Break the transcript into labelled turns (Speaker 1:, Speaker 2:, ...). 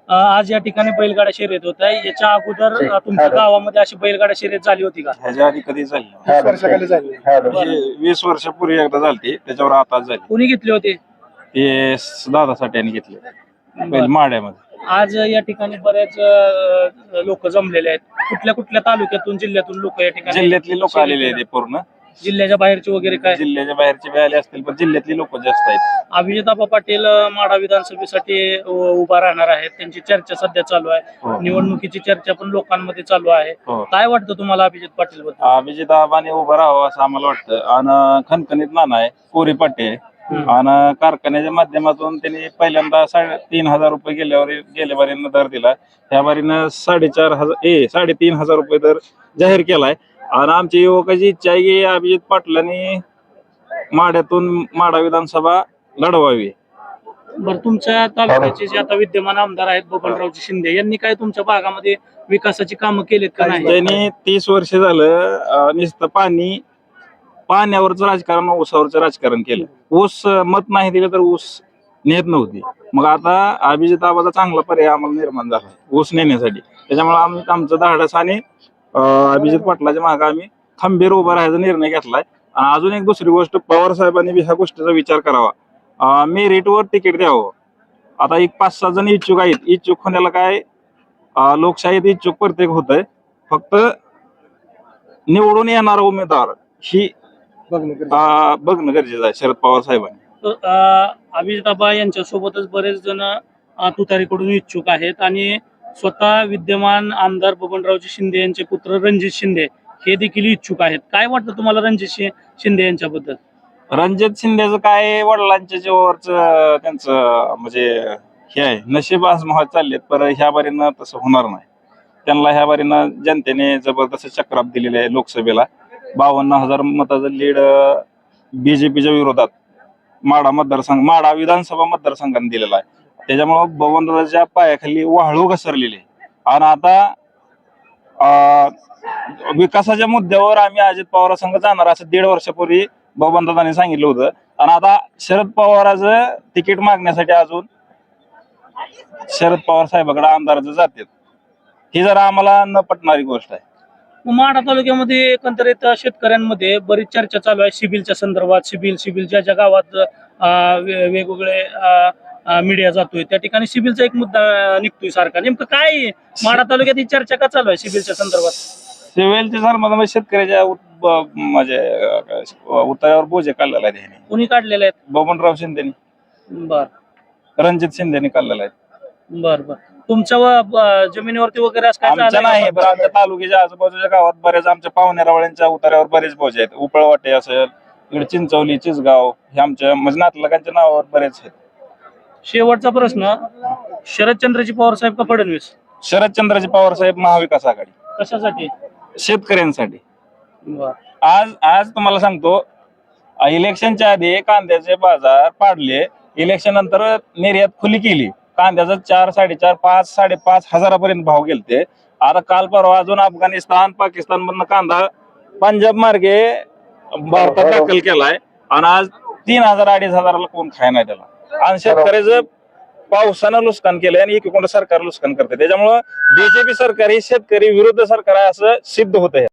Speaker 1: आज या ठिकाणी बैलगाडा शर्यत होत आहे। याच्या अगोदर तुमच्या गावामध्ये अशी बैलगाडा शर्यत झाली होती का?
Speaker 2: ह्याच्या आधी कधी झाली
Speaker 3: 20 वर्षाखाली झाली.
Speaker 2: म्हणजे 20 वर्षापूर्वी एकदा झाली, त्याच्यावर आताच झाली.
Speaker 1: कोणी घेतले होते?
Speaker 2: ते दादासाठी यांनी घेतले बैल माड्यामध्ये.
Speaker 1: आज या ठिकाणी बरेच लोक जमलेले आहेत। कुठल्या कुठल्या तालुक्यातून जिल्ह्यातून लोक या ठिकाणी?
Speaker 2: जिल्ह्यातली लोक आलेले आहेत पूर्ण.
Speaker 1: जिल्ह्याच्या बाहेरचे वगैरे काय?
Speaker 2: जिल्ह्याच्या बाहेरचे बी आले असतील, पण जिल्ह्यातली लोक जास्त आहेत.
Speaker 1: अभिजित आबा पाटील माढा विधानसभेसाठी उभा राहणार आहेत, त्यांची चर्चा सध्या चालू आहे। निवडणुकीची चर्चा पण लोकांमध्ये चालू आहे। काय वाटतं तुम्हाला अभिजित पाटील बद्दल?
Speaker 2: अभिजित आबाने उभं राहावं असं आम्हाला वाटतं. आणि खणखणीत नाना आहे, कोरी पाटे आणि कारखान्याच्या माध्यमातून त्यांनी पहिल्यांदा 3,500 रुपये गेल्या बारीनं दर दिला. ह्या बारीनं 3,500 रुपये दर जाहीर केलाय. आणि आमच्या युवकाची इच्छा आहे की अभिजित पाटलांनी माढ्यातून माढा विधानसभा लढवावी.
Speaker 1: बरं, तुमच्या तालुक्याचे जे आता विद्यमान आमदार आहेत बबनरावजी शिंदे, यांनी काय तुमच्या भागामध्ये विकासाची कामं केलीत का नाही?
Speaker 2: त्यांनी 30 वर्ष झालं नुसतं पाण्यावरचं राजकारण, ऊसावरचं राजकारण केलं. ऊस मत नाही दिलं तर ऊस नेत नव्हती. मग आता अभिजित आबाचा चांगला पर्याय आम्हाला निर्माण झाला ऊस नेण्यासाठी. त्याच्यामुळे आम्ही आमचं धाडस आणि अभिजित पाटलाच्या मागे आम्ही खंबीर उभा राहायचा निर्णय घेतलाय. आणि अजून एक दुसरी गोष्ट, पवार साहेबांनी ह्या गोष्टीचा विचार करावा, मेरिटवर तिकीट द्यावं. आता एक 5-6 जण इच्छुक आहेत. इच्छुक होण्याला काय, लोकशाहीत इच्छुक प्रत्येक होत आहे. फक्त निवडून येणारा उमेदवार ही बघणं गरजेचं आहे शरद पवार साहेबांनी.
Speaker 1: अभिजित आबा यांच्या सोबतच बरेच जण तुतारीकडून इच्छुक आहेत आणि स्वतः विद्यमान आमदार बबनरावजी शिंदे यांचे पुत्र रणजित शिंदे हे देखील इच्छुक आहेत। काय वाटतं तुम्हाला रणजित शिंदे यांच्याबद्दल?
Speaker 2: रणजित शिंदेचं काय, वडिलांच्या जीवावरच त्यांचं म्हणजे हे आहे, नशीब आजमावत चाललेत. पण ह्या बारीनं तसं होणार नाही. त्यांना ह्या बारीनं जनतेने जबरदस्त चक्राप दिलेले आहे. लोकसभेला 52,000 मताचं लीड बीजेपीच्या विरोधात माढा विधानसभा मतदारसंघाने दिलेला आहे. त्याच्यामुळं बबनरावच्या पायाखाली वाळू घसरलेली आहे. आणि आता विकासाच्या मुद्द्यावर आम्ही अजित पवार संघ जाणार असं 1.5 वर्षापूर्वी बबनदादांनी सांगितलं होतं. आणि आता शरद पवाराचं तिकीट मागण्यासाठी अजून शरद पवार साहेबांकडे आमदाराचं जातात. ही जरा आम्हाला न पटणारी गोष्ट आहे.
Speaker 1: माढा तालुक्यामध्ये एकंदरीत शेतकऱ्यांमध्ये बरीच चर्चा चालू आहे सिबिलच्या संदर्भात। सिबिल ज्या गावात वेगवेगळे मीडिया जातोय त्या ठिकाणी सिबिलचा एक मुद्दा निघतोय सारखा। नेमकं काय माढा तालुक्यात ही चर्चा का चालू आहे सिबिलच्या संदर्भात?
Speaker 2: सिव्हिलच्या संदर्भात शेतकऱ्याच्या म्हणजे उतार्यावर बोजे काढलेला आहे.
Speaker 1: कोणी काढलेले आहेत?
Speaker 2: बबनराव शिंदेनी.
Speaker 1: बर.
Speaker 2: रणजित शिंदेनी काढलेला आहे.
Speaker 1: बर बर. तुमच्या जमिनीवरती वगैरे असं काय
Speaker 2: आमच्या नाही, पण आमच्या तालुक्याच्या आजूबाजूच्या गावात बरेच आमच्या पाहुण्यारावळ्यांच्या उतार्यावर बरेच बोजे आहेत. उपळवाटे असेल, इकडे चिंचवली, चिचगाव, हे आमच्या म्हणजे नातलगांच्या नावावर बरेच आहेत.
Speaker 1: शेवटचा प्रश्न, शरदचंद्रजी पवार साहेब का फडणवीस?
Speaker 2: शरदचंद्रजी पवार साहेब, महाविकास आघाडी.
Speaker 1: कशासाठी?
Speaker 2: शेतकऱ्यांसाठी.
Speaker 1: बर.
Speaker 2: आज तुम्हाला सांगतो, इलेक्शनच्या आधी कांद्याचे बाजार पाडले. इलेक्शन नंतर निर्यात खुली केली. कांद्याचा 4, 4.5, 5, 5.5 हजारापर्यंत भाव गेलते. आता काल परवा अजून अफगाणिस्तान, पाकिस्तान मधनं कांदा पंजाब मार्गे भारतात दाखल केलाय. आणि आज 3,000, 2,500 कोण खाय नाही त्याला. आणि शेतकऱ्याचं पावसानं नुकसान केलंय आणि एकीकडे सरकार नुकसान करते. त्याच्यामुळं बीजेपी सरकार ही शेतकरी विरुद्ध सरकार आहे असं सिद्ध होत आहे.